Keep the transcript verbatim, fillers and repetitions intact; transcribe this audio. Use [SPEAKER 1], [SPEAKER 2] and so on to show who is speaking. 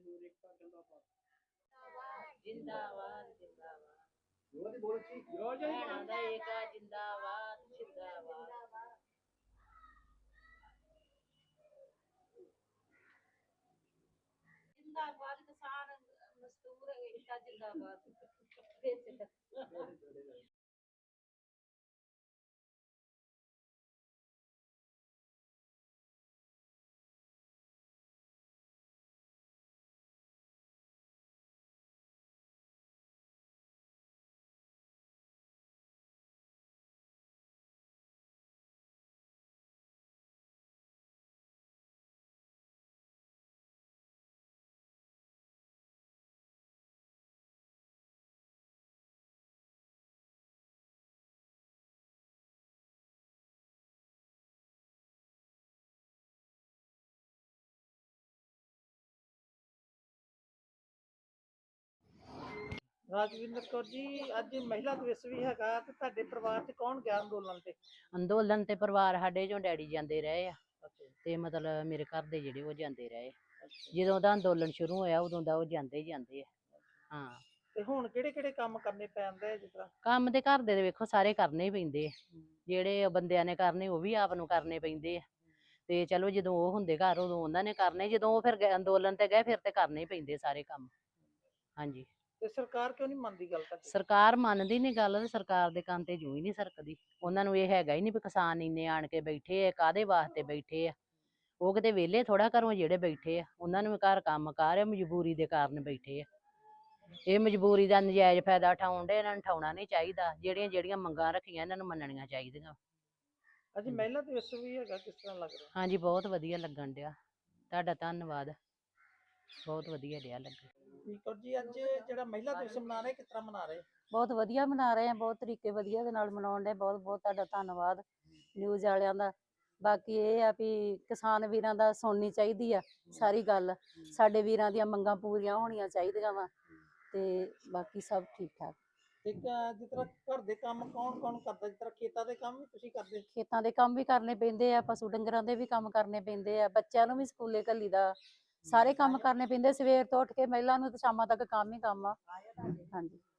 [SPEAKER 1] जिंदाबाद जिंदाबाद भैणों दा एकता जिंदाबाद जिंदाबाद जिंदाबाद किसान मजदूर एकता जिंदाबाद
[SPEAKER 2] ਰਾਜਵਿੰਦਰ ਕੌਰ ਜੀ, ਅੱਜ ਮਹਿਲਾ ਦਿਵਸ ਵੀ ਹੈਗਾ ਤੇ ਤੁਹਾਡੇ ਪਰਿਵਾਰ ਚ ਕੌਣ ਗਿਆ ਅੰਦੋਲਨ ਤੇ?
[SPEAKER 1] ਅੰਦੋਲਨ ਤੇ ਪਰਿਵਾਰ ਸਾਡੇ ਚੋਂ ਡੈਡੀ ਜਾਂਦੇ ਰਹੇ ਆ ਤੇ ਮਤਲਬ ਮੇਰੇ ਘਰ ਦੇ ਜਿਹੜੇ ਉਹ ਜਾਂਦੇ ਰਹੇ ਜਦੋਂ ਦਾ ਅੰਦੋਲਨ ਸ਼ੁਰੂ ਹੋਇਆ ਉਦੋਂ ਦਾ ਉਹ ਜਾਂਦੇ ਹੀ ਜਾਂਦੇ ਆ। ਹਾਂ
[SPEAKER 2] ਤੇ ਹੁਣ ਕਿਹੜੇ ਕਿਹੜੇ ਕੰਮ ਕਰਨੇ ਪੈਂਦੇ? ਜਿਸ ਤਰ੍ਹਾਂ
[SPEAKER 1] ਕੰਮ ਤੇ ਘਰ ਦੇ ਵੇਖੋ ਸਾਰੇ ਕਰਨੇ ਹੀ ਪੈਂਦੇ ਆ, ਜਿਹੜੇ ਬੰਦਿਆਂ ਨੇ ਕਰਨੇ ਉਹ ਵੀ ਆਪ ਨੂੰ ਕਰਨੇ ਪੈਂਦੇ ਆ ਤੇ ਚਲੋ ਜਦੋਂ ਉਹ ਹੁੰਦੇ ਘਰ ਉਦੋਂ ਉਹਨਾਂ ਨੇ ਕਰਨੇ, ਜਦੋਂ ਉਹ ਫਿਰ ਅੰਦੋਲਨ ਤੇ ਗਏ ਫਿਰ ਤੇ ਕਰਨੇ ਹੀ ਪੈਂਦੇ ਸਾਰੇ ਕੰਮ। ਹਾਂਜੀ
[SPEAKER 2] ਤੇ ਸਰਕਾਰ ਕਿਉਂ ਨਹੀਂ ਮੰਨਦੀ ਗੱਲ? ਤਾਂ
[SPEAKER 1] ਸਰਕਾਰ ਮੰਨਦੀ ਨੀ ਗੱਲ ਤੇ ਸਰਕਾਰ ਦੇ ਕੰਨ ਤੇ ਜੂ ਹੀ ਨਹੀਂ ਸਰਕਦੀ। ਉਹਨਾਂ ਨੂੰ ਇਹ ਹੈਗਾ ਹੀ ਨਹੀਂ ਵੀ ਕਿਸਾਨ ਇੰਨੇ ਆਣ ਕੇ ਬੈਠੇ ਆ, ਕਾਹਦੇ ਵਾਸਤੇ ਬੈਠੇ ਆ? ਉਹ ਕਿਤੇ ਵਿਹਲੇ ਥੋੜਾ ਘਰੋਂ ਜਿਹੜੇ ਬੈਠੇ ਆ, ਉਹਨਾਂ ਨੂੰ ਘਰ ਕੰਮ ਕਾਰ ਆ, ਮਜਬੂਰੀ ਦੇ ਕਾਰਨ ਬੈਠੇ ਆ। ਇਹ ਮਜਬੂਰੀ ਦਾ ਨਜਾਇਜ਼ ਫਾਇਦਾ ਉਠਾਉਣ ਡੇ, ਇਹਨਾਂ ਨੂੰ ਉਠਾਉਣਾ ਨਹੀਂ ਚਾਹੀਦਾ। ਜਿਹੜੀਆਂ ਜਿਹੜੀਆਂ ਮੰਗਾਂ ਰੱਖੀਆਂ ਇਹਨਾਂ ਨੂੰ ਮੰਨਣੀਆਂ ਚਾਹੀਦੀਆਂ।
[SPEAKER 2] ਅੱਜ ਮਹਿਲਾ ਦਿਵਸ ਵੀ ਹੈਗਾ, ਕਿਸ ਤਰ੍ਹਾਂ ਲੱਗ ਰਿਹਾ?
[SPEAKER 1] ਹਾਂਜੀ ਬਹੁਤ ਵਧੀਆ ਲੱਗਣ ਡਿਆ, ਤੁਹਾਡਾ ਧੰਨਵਾਦ, ਬਹੁਤ ਵਧੀਆ ਰਿਹਾ ਲੱਗੇ।
[SPEAKER 2] ਠੀਕ ਜੀ, ਅੱਜ ਜਿਹੜਾ ਮਹਿਲਾ ਦਿਵਸ ਮਨਾ ਰਹੇ ਕਿਸ ਤਰ੍ਹਾਂ ਮਨਾ ਰਹੇ?
[SPEAKER 3] ਬਹੁਤ ਵਧੀਆ ਮਨਾ ਰਹੇ ਆ, ਬਹੁਤ ਤਰੀਕੇ ਵਧੀਆ ਦੇ ਨਾਲ ਮਨਾਉਣ ਦੇ। ਬਹੁਤ ਬਹੁਤ ਤੁਹਾਡਾ ਧੰਨਵਾਦ ਨਿਊਜ਼ ਵਾਲਿਆਂ ਦਾ। ਬਾਕੀ ਇਹ ਆ ਵੀ ਕਿਸਾਨ ਵੀਰਾਂ ਦਾ ਸੁਣਨੀ ਚਾਹੀਦੀ ਆ ਸਾਰੀ ਗੱਲ, ਸਾਡੇ ਵੀਰਾਂ ਦੀਆਂ ਮੰਗਾਂ ਪੂਰੀਆਂ ਹੋਣੀਆਂ ਚਾਹੀਦੀਆਂ ਵਾ ਤੇ ਬਾਕੀ ਸਭ ਠੀਕ ਠਾਕ।
[SPEAKER 2] ਇੱਕ ਜਿਸ ਤਰ੍ਹਾਂ ਘਰ ਦੇ ਕੰਮ ਕੌਣ ਕੌਣ ਕਰਦਾ? ਜਿਸ ਤਰ੍ਹਾਂ ਖੇਤਾਂ ਦੇ ਕੰਮ ਵੀ ਤੁਸੀਂ ਕਰਦੇ?
[SPEAKER 3] ਖੇਤਾਂ ਦੇ ਕੰਮ ਵੀ ਕਰਨੇ ਪੈਂਦੇ ਆ, ਪਸ਼ੂ ਡੰਗਰਾਂ ਦੇ ਵੀ ਕੰਮ ਕਰਨੇ ਪੈਂਦੇ ਆ, ਬੱਚਿਆਂ ਨੂੰ ਵੀ ਸਕੂਲੇ ਘੱਲੀ ਦਾ, ਸਾਰੇ ਕੰਮ ਕਰਨੇ ਪੈਂਦੇ। ਸਵੇਰ ਤੋਂ ਉੱਠ ਕੇ ਮਹਿਲਾ ਨੂੰ ਤੇ ਸ਼ਾਮਾਂ ਤੱਕ ਕੰਮ ਹੀ ਕੰਮ ਆ। ਹਾਂਜੀ।